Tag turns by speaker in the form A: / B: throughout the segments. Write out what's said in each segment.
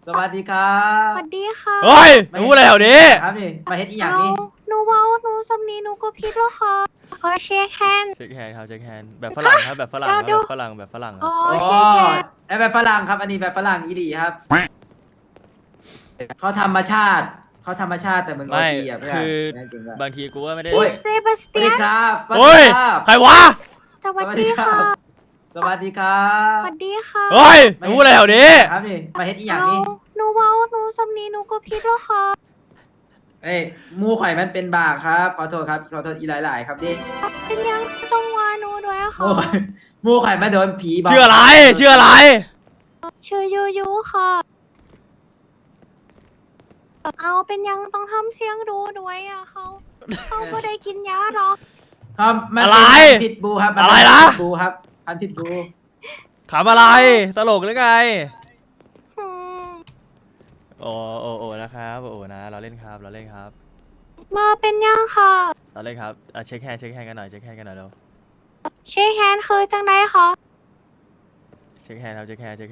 A: สวัสดีครั
B: ส
A: บ
B: วัสดีค่ะ
C: เฮ้ยรู้อะไรแถวนี้
A: ครับนี่มาเฮ็ดอีหยังนี่
B: หนูเว้าหนูสำนีหนูก็ผิดแล้วค่ะขอเช็คแฮนด์
C: เช็คแฮนด์ครับเช็คแฮนด์แบบฝรั่งครับแบบฝรั่งครับ
B: เดี๋ยว
C: แบบฝรั่งแบบฝรั่งค
B: อ๋
C: รั
B: อบ
A: โอ้
B: เช็คแฮนด์
A: ไอแบบฝรั่งครับ อันนี้แบบฝรั่งอีหลีครับเขาธรรมชาติแต่มึงโอ
C: ไม่
A: ทีอ่ะเพื่อน
C: คือ
A: แน่จริงอะ
C: บางทีกูว่าไม่ได้
A: โอ้ย
B: เซบาส
A: สวั
B: เตี
A: ส
B: ย
A: ดี
B: น
A: ครับสวัส
C: เฮ้ย
A: ดีครับ
C: ใครวะ
B: สวัสดีค่ะ
A: สวัสดีครับ
B: สวัสดีค่ะ
C: เฮ้ยรู้อะไรแถวนี้
A: ครับนี่มาเฮ็ดอีหยังนี่
B: หนูเว้าหนูสำนีหนูก็ผิดแล้วค่ะ
A: เอ้ยหมูข่อยมันเป็นบาครับขอโทษครับขอโทษอีหลายๆครับดิ
B: เป็นยังต้องว่าหนูด้วย
A: หมู
B: ค่ะ
A: ข่อยหมูข่อยมาโดนผีบอก
C: ชื่ออะไรชื่ออะไร
B: ชื่อยูยูค่ะ เอาเป็นยังต้องทำเสียงดูด้วยอ่ะเขาก็ได้กินยาหรอก
A: ครับมัน
C: อะไร
A: เป็นพิษบูครับมั
C: อะไร
A: เป็
C: นะ
A: พิษบูครับพันธุ์พิษบู
C: ขำอะไรตลกหรือไง
B: อืม
C: โอ้โอ้โอ้นะครับโอ้นะเราเล่นครับเราเล่นครับ
B: มาเป็นยังค่ะ
C: เราเล่นครับเช็คแฮนด์กันหน่อยเช็คแฮนด์กันหน่อยเร็ว
B: เช็คแฮนด์คือจังไดคะ
C: เช็คแฮนด์ครับเช็คแฮนด์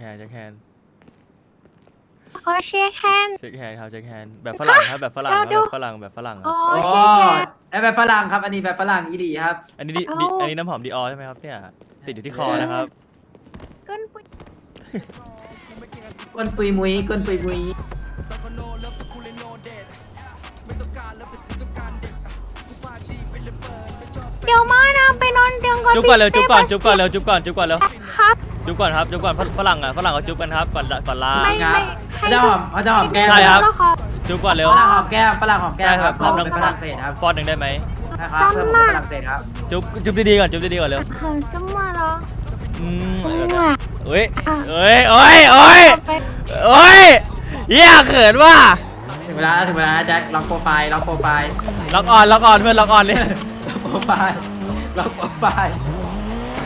B: ขอเช็คแฮนด์
C: เช็คแฮนด์ครับเช็คแฮนด์แบบฝรั่งครับแบบฝรั่งครับแบบฝรั่งแบบฝรั่งค
B: อ๋
C: รั
B: อบ
A: โอ้
B: เช็คแฮนด์
A: ไอแบบฝรั่งครับ อันนี้แบบฝรั่งอีหลีครับ
C: อันนี้
B: เอา
C: อันนี้น้ำหอมดีออใช่ไหมครับเนี่ยติดอยู่ที่คอนะครับ
B: ก้นปุย
A: ก้นปุยมุยก้นปุยมุย
B: เดี๋ยวมานะไปนอนเตียงก่อน
C: จุ๊บก่อนเร็ว
B: พี่
C: จุ๊บก่อน
B: ส
C: จุ๊บก่อนเร็วจุ๊บก่อนจุ๊บก่อนเร็ว
B: ครับ
C: จุ๊บก่อนครับจุ๊บก่อนฝรั่งเขาจุ๊บกันครับก่อนลา
B: ไม่
A: ครับเขาจะหอมแก้ม
C: ใช่ครับ
B: แล้วค่ะ
C: จุ๊บก่อนเร็ว
A: ฝรั่งหอมแก้มฝรั่งหอมแก้ม
C: ใช่ครับ
A: เราเป็นฝรั่งเศสครับ
C: ฟอนหนึ่งได้ไหม
A: นะครับเพื่อนผมเป็นฝรั่งเศสครับ
C: จุ๊บดีๆก่อนจุ๊บดีๆก่อนเร็ว
B: จะมาเหรอ
C: อืม
B: จะมา
C: เอ้ย
B: อ่ะ
C: เอ้ยเอ้ยเอ้ย
B: ไป
C: เอ้ยเหี้ยเขินว่ะ
A: ถึงเวลาแจ็คล็อกโปรไฟล์
C: ล็อกออนเพื่อนล็อกออนเลย
A: ล็อกโปรไฟล์